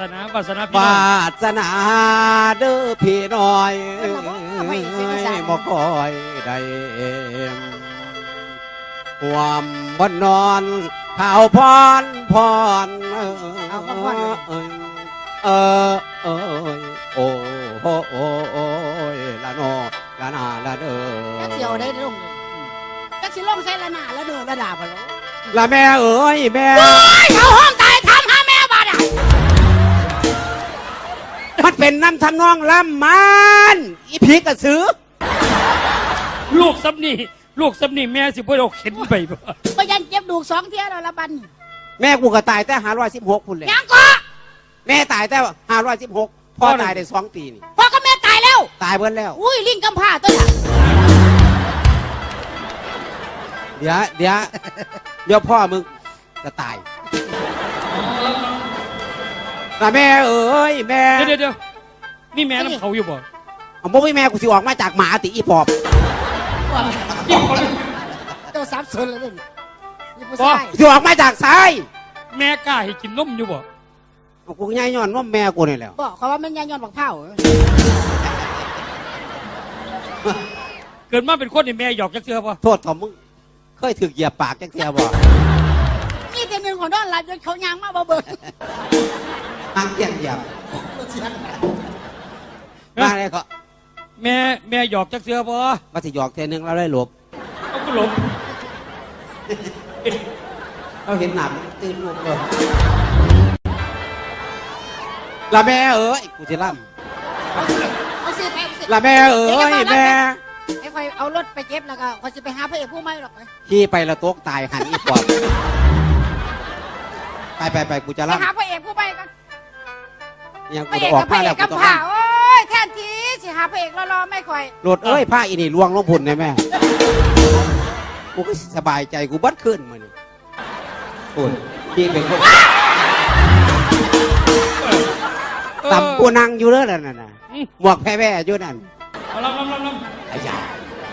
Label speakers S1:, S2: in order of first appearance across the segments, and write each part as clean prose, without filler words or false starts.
S1: นาวาสนาพี่
S2: วา
S1: น้อง
S2: สนาเด้อพี่น้อยบ่คอยได้ความบ่นอนข่าวพรโอ้ยละโนละนาละเด้อ
S3: จักเสียวได้ลงจักสิลงใส่ละหน้าละเด้อละดาบ่ลง
S2: ละแม่เอ้ยแม่
S3: เขาห้องตายทำหาแม่บาดอ่ะ
S2: มันเป็นน้ำทำนองลำมันอีผีกระสือ
S1: ลูกซับนี่แม่สิบ่เอาเข็นไปบ่
S3: ก็ยันเจ็บดูก2เที่ยแล้วละบัดนี้
S2: แม่กูก็ตายแต่516พุ่นเลย
S3: ยังก็
S2: แม่ตายแต่516พ่อตายได้2 ปีนี่
S3: พ่อกับแม่ตายแล้ว
S2: ตายเบิดแล้ว
S3: อุ้ยลิงกำพร้าตัวน่ะ
S2: เดี๋ยวพ่อมึงจะตายแต่แม่เอ้ยแม่
S1: เดี๋ยวนี่แม่น้ำเขาอยู่บ่
S2: เอาบ่มีแม่กูสิออกมาจากหมาติอีปอบ
S3: เจ้าสับสนแล้วนี่นี่ผู้
S1: บ่
S3: ชาย
S2: สิออกมาจากซ้าย
S1: แม่กล้าให้กินนมอยู่บ่
S2: เอากูย่ายย้อนว่าแม่กูนี่แหละ
S3: บอกเขาว่ามันยายย้อนบักเผา
S1: เกิดมาเป็นคนนี่แม่หยอกจักเทื่อบ่
S2: โทษของมึงเคยถึกเหยียบปากจังเทียบ่
S3: นี่แต่หนึ่งของนอนหลับจนเขายางมาบ่เบิ่ง
S2: นั่งเกียงเหยียบมาเลยก็
S1: แม่หยอกจักเทื่อบ่
S2: มาสิหยอกเทนึงเราได้หลบ
S1: เอาก็หลบ
S2: เราเห็นหนักตื่นลูกเลยละแม่เอ้ยกูจะล่
S3: เอาสิไป
S2: ำละแม่เอ้ยแม่
S3: ไอ้คอยเอารถไปเก็บแล้วก็คอยจะไปหาพระเอกผู้ไม่หรอก
S2: ขี่ไปละโต๊กตายหันอีปอบไปกูจะ
S3: ไป
S2: ล่
S3: หาพระเอกผู้ไม่กัน
S2: ำยัง
S3: พ
S2: กู
S3: ระเอก
S2: จะออก
S3: กับพ
S2: มา
S3: ระเอ
S2: แล้ว
S3: ก
S2: กู
S3: กำ
S2: ต้อง
S3: ผ่าโอ้ยแทนทีสิหาพระเอกรอๆไม่ค่อย
S2: โหลดเอ้ยผ้าอีนี่ลวงลงพุ่นได้แม่กูก็สบายใจกูบัดขึ้นมานี่โอ้ยพี่เป็นคนต่ำกูนั่งอยู่เลยนั่นน่ะหมวกแพ้ๆอยู่นั่น
S1: เอาลำ
S2: ไอ้ยา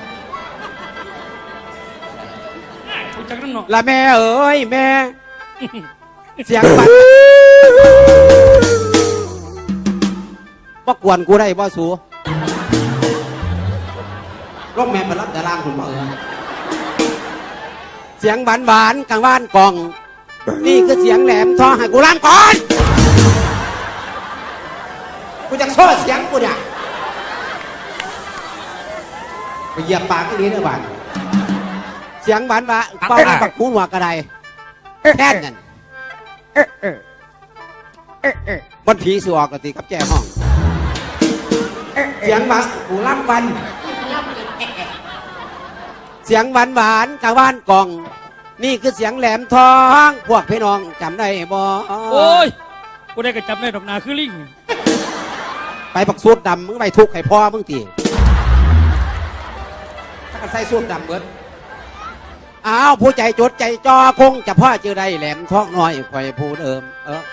S1: กูจักนั่นเนาะ
S2: ละแม่เอ้ยแม่ เสียงบัดว่ากวนกูได้บ่สูร้องแม่มารับแต่ล่างคุณบ่เสียงหวานกลางบ้านกล่อง นี่คือเสียงแหลมทองให้กูล่างก่อนกูจะโซ่เสียงกูเนี่ยไปเหยียบปากที่นี้เด้อบ้านเสียงหวานเป้าหน้าปักหูหัวกระไดแค่นั้นมันผีสิออกกติกับแจ้ห้องเสียงหวานกูล่ำวันเสียงหวานกลางบ้านกล่อง นี่คือเสียงแหลมทองพวกพี่น้องจำได้บ่
S1: โอ้ยกูได้กระจับได้ดอกนาคือลิง
S2: ไปปักสูตรดำมึงไปทุกข์ให้พ่อมึงตีถ้ากันใส่สูตรดำเบิดอ้าวผู้ใจจดใจจอคงจะพ่อเจอได้แหลมทองน้อยคอยผู้เดิม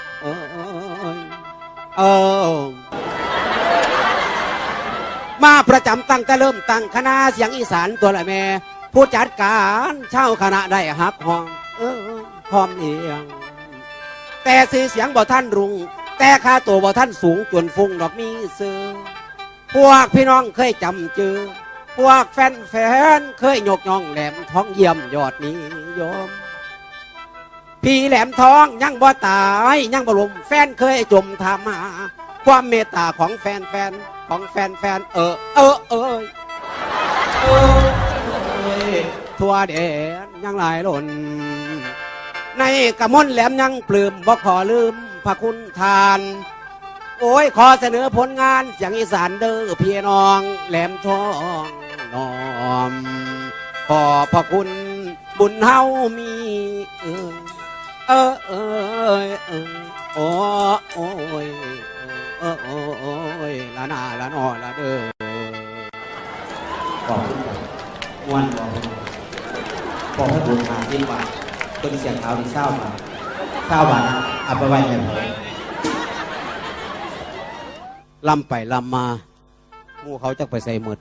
S2: มาประจำตั้งแต่เริ่มตั้งคณะเสียงอีสานตัวละแม่ผู้จัดการเช่าคณะได้ฮักห้องพร้อมเอียงแต่สื่อเสียงบ่ท่านรุงแต่ค่าตัวบ่ท่านสูงจนฟุ้งดอกมีซื้อพวกพี่น้องเคยจำเจอพวกแฟนเคยยกย่องแหลมทองเยี่ยมยอดนิยมพี่แหลมทองยังบ่ตายยังบ่ลมแฟนเคยจมทามาความเมตตาของแฟนทั่วแดนยังหลายล้นในกระมนแหลมยังปลื้มบ่ขอลืมพระคุณทาน โอ้ยขอเสนอผลงานเสียงอีสานเด้อพี่น้องแหลมทองน้อมขอพระคุณบุญเฮามีโอ้ยละนาละนอละเด้อบอกมวนบอกให้บุญมาที่ว่าคนเสียงเท้าที่เศร้ามาเอาไปไว้ให้ผมลำไปลำมาหมู่เขาจะไปใส่หมด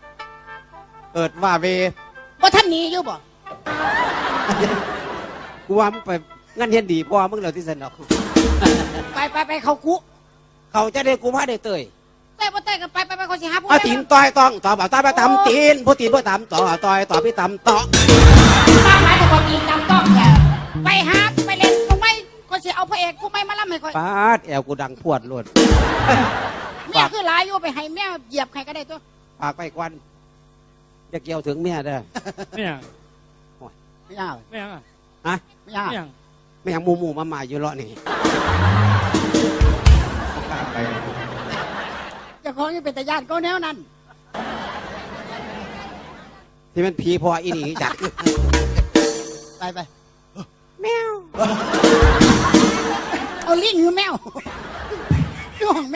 S2: เอิดว่าเว
S3: ว่าท่านหนีอยู่บ่
S2: กูกูว่ามึงไปงั้นเห็นดีพ่อมึงแล้วที่สนอก
S3: ไปเขาคุ
S2: เขาจะได้กูพาได้เตย
S3: เต้บ่เต้กันไปเขาสิหาผู้
S2: เอาตีนต่อยต้องต่อบ่าวต่อยไปตำตีนผู้ตีนผู้ตำต่อต่อยต่อพี่ตำต่อ
S3: บ้านไหนก็บ่ตีจำต้องแกไปหาไปเล่นกูไม่ก็สิเอาพระเอกกูไม่มาล่ำให้ค่อย
S2: ปาดแอวกูดังพวดโลด
S3: เมียคือหลายอยู่ไปให้แม่เหยียบใครก็ได้ตัว
S2: ปากไปควันจะเกี่ยวถึงเมียเด้อ
S1: ไม่ยัง
S3: ไม่ยาก
S1: ไม่ยังอะ
S2: ฮะ
S3: ไม่ยาก
S1: ไม่ยัง
S2: ไม่อยากหมูมาอยู่เลาะนี่
S3: เจะของนี่เป็นตาญาติก็แนวนั้น
S2: ที่มันผีพออีนี่จัก
S3: ไป
S2: แมว
S3: เอาลิงหรือแมว